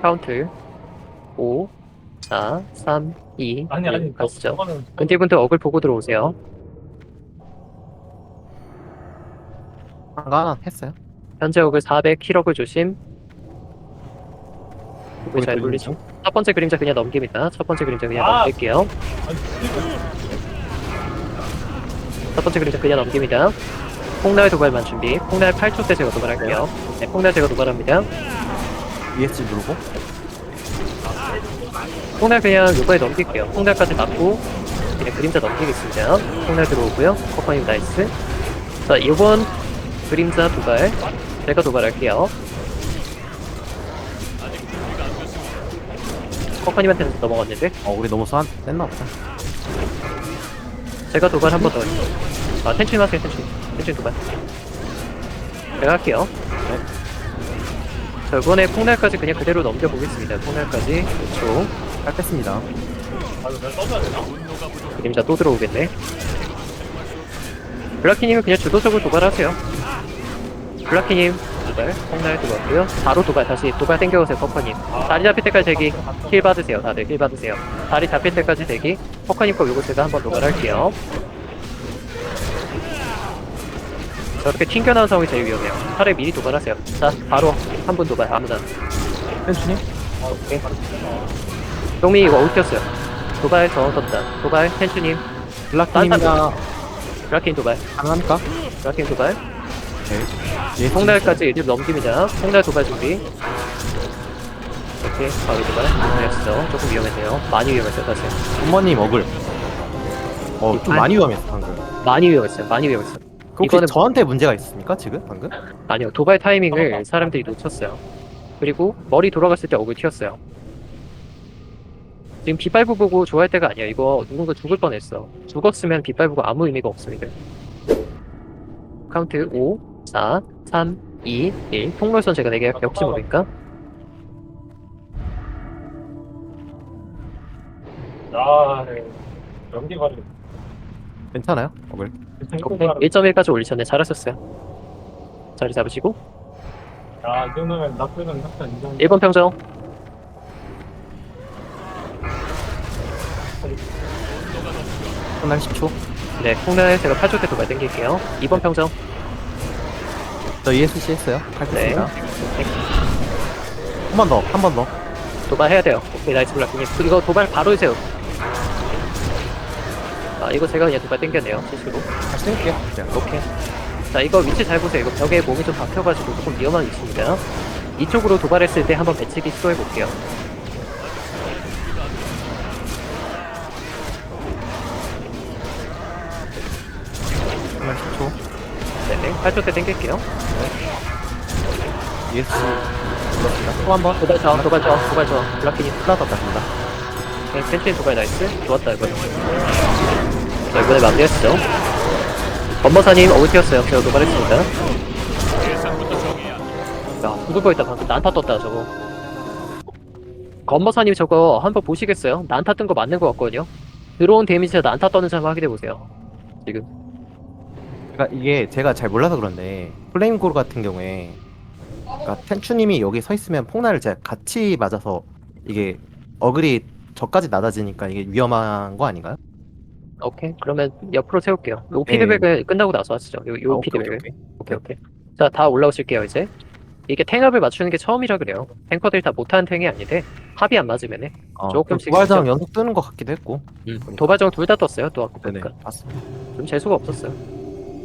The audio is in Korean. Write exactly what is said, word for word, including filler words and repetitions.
카운트 오, 사, 삼, 이, 아니 아니 일 저, 가시죠. 저거는 근딜분들 어글 보고 들어오세요. 한가 하나 했어요. 현재 어글 사백, 킬어글 조심. 어글 잘 또 돌리죠. 있는지? 첫 번째 그림자 그냥 넘깁니다. 첫 번째 그림자 그냥 아! 넘길게요. 아니 지금 첫 번째 그림자 그냥 넘깁니다. 폭날 도발만 준비. 폭날 팔 초 때 제가 도발할게요. 네, 폭날 제가 도발합니다. 이에스지 누르고. 폭날 그냥 요거에 넘길게요. 폭날까지 맞고 그냥 그림자 넘기겠습니다. 폭날 들어오고요. 커퍼님 나이스. 자, 이번 그림자 도발 제가 도발할게요. 커퍼님한테는 넘어갔는데 어 우리 너무 쏘안 뺐나 보다. 제가 도발 한 번 더 할게요. 아, 텐츄님 하세요, 텐츄님. 텐츄님 도발. 제가 할게요. 자, 이번에 폭날까지 그냥 그대로 넘겨보겠습니다. 폭날까지. 그렇죠. 잘 뺐습니다. 아유 내가 써줘야 되나? 그림자 또 들어오겠네. 블라키님은 그냥 주도적으로 도발하세요. 블라키님 도발, 폭날 들어왔고요. 바로 도발, 다시 도발 땡겨오세요, 퍼커님. 다리 잡힐 때까지 대기. 힐 받으세요, 다들 힐 받으세요. 다리 잡힐 때까지 대기. 퍼커님 거 요거 제가 한번 도발할게요. 저렇게 튕겨나온 상황이 제일 위험해요. 차라리 미리 도발하세요. 자, 바로 한 분 도발, 아무나. 펜츠님? 오케이. 동민이 이거 옮겼어요. 도발 저 떴다. 도발, 텐츄님. 블락팀이나 블라킨 도발, 가능합니까? 블라킨 도발. 오케이. 이에스지 폭날까지 이제 넘깁니다. 폭날 도발 준비. 오케이, 바로 도발. 위험했어. 조금 위험했네요. 많이 위험했어요, 사실. 부모님 어글. 어 좀 많이 위험했어 방금. 많이 위험했어요. 많이 위험했어요. 그 혹시 이거는- 저한테 문제가 있습니까 지금 방금? 아니요, 도발 타이밍을 사람들이 놓쳤어요. 그리고 머리 돌아갔을 때 어글 튀었어요. 지금 빗발부 보고 좋아할 때가 아니야. 이거 누군가 죽을 뻔했어. 죽었으면 빗발부가 아무 의미가 없습니다. 카운트 오, 사, 삼, 이, 일. 통로선 제가 내게 할게요. 혹시 모르니까. 야 연기 가지고 괜찮아요? 어글. 오케이. 일 점 일까지 올리셨네. 잘하셨어요. 자리 잡으시고. 야이 정도면 나쁘는 낙사 인정. 일 번 평정. 끝날 십 초. 네, 폭날 제가 팔 초 때 도발 땡길게요. 이 번 평정. 저 이에스지 했어요. 네. 칼겠습니다. 한 번 더, 한 번 더. 도발해야 돼요. 오케이, 나이스 블락님. 이거 도발 바로 해세요. 아, 이거 제가 그냥 도발 땡겼네요. 실수로. 다시 땡길게요. 네. 오케이. 자, 이거 위치 잘 보세요. 이거 벽에 몸이 좀 박혀가지고 조금 위험한 위치입니다. 이쪽으로 도발했을 때 한번 배치기 시도해볼게요. 끝날 십 초. 네네. 팔 초 때 땡길게요. 이에스지 눌렀습니다. 또 한 번. 도발 저, 도발 저, 도발 저. 블락키님. 하나 더 땄습니다. 네, 텐츄인 도발 나이스. 좋았다, 이번에. 자, 이번에 마무리했죠. 건버사님 어글 튀었어요. 제가 도발했습니다. 야, 죽을 뻔했다. 방금 난타 떴다, 저거. 건버사님 저거 한번 보시겠어요? 난타 뜬 거 맞는 거 같거든요? 들어온 데미지가 난타 떠는지 한번 확인해보세요. 지금. 그러니까 이게 제가 잘 몰라서 그런데 플레임골 같은 경우에 그러니까 텐추님이 여기 서 있으면 폭날을 제가 같이 맞아서 이게 어글이 저까지 낮아지니까 이게 위험한 거 아닌가요? 오케이. 그러면 옆으로 세울게요. 요 네. 피드백을 끝나고 나서 하시죠. 요, 요 아, 오케이, 피드백을. 오케이, 오케이, 오케이. 자, 다 올라오실게요, 이제. 이게 탱합을 맞추는 게 처음이라 그래요. 탱커들이 다 못하는 탱이 아닌데, 합이 안 맞으면 해. 어, 조금씩 부활장 진짜- 연속 뜨는 것 같기도 했고. 도발정 둘 다 떴어요, 또 아까 네네, 보니까. 맞습니다. 좀 재수가 없었어요.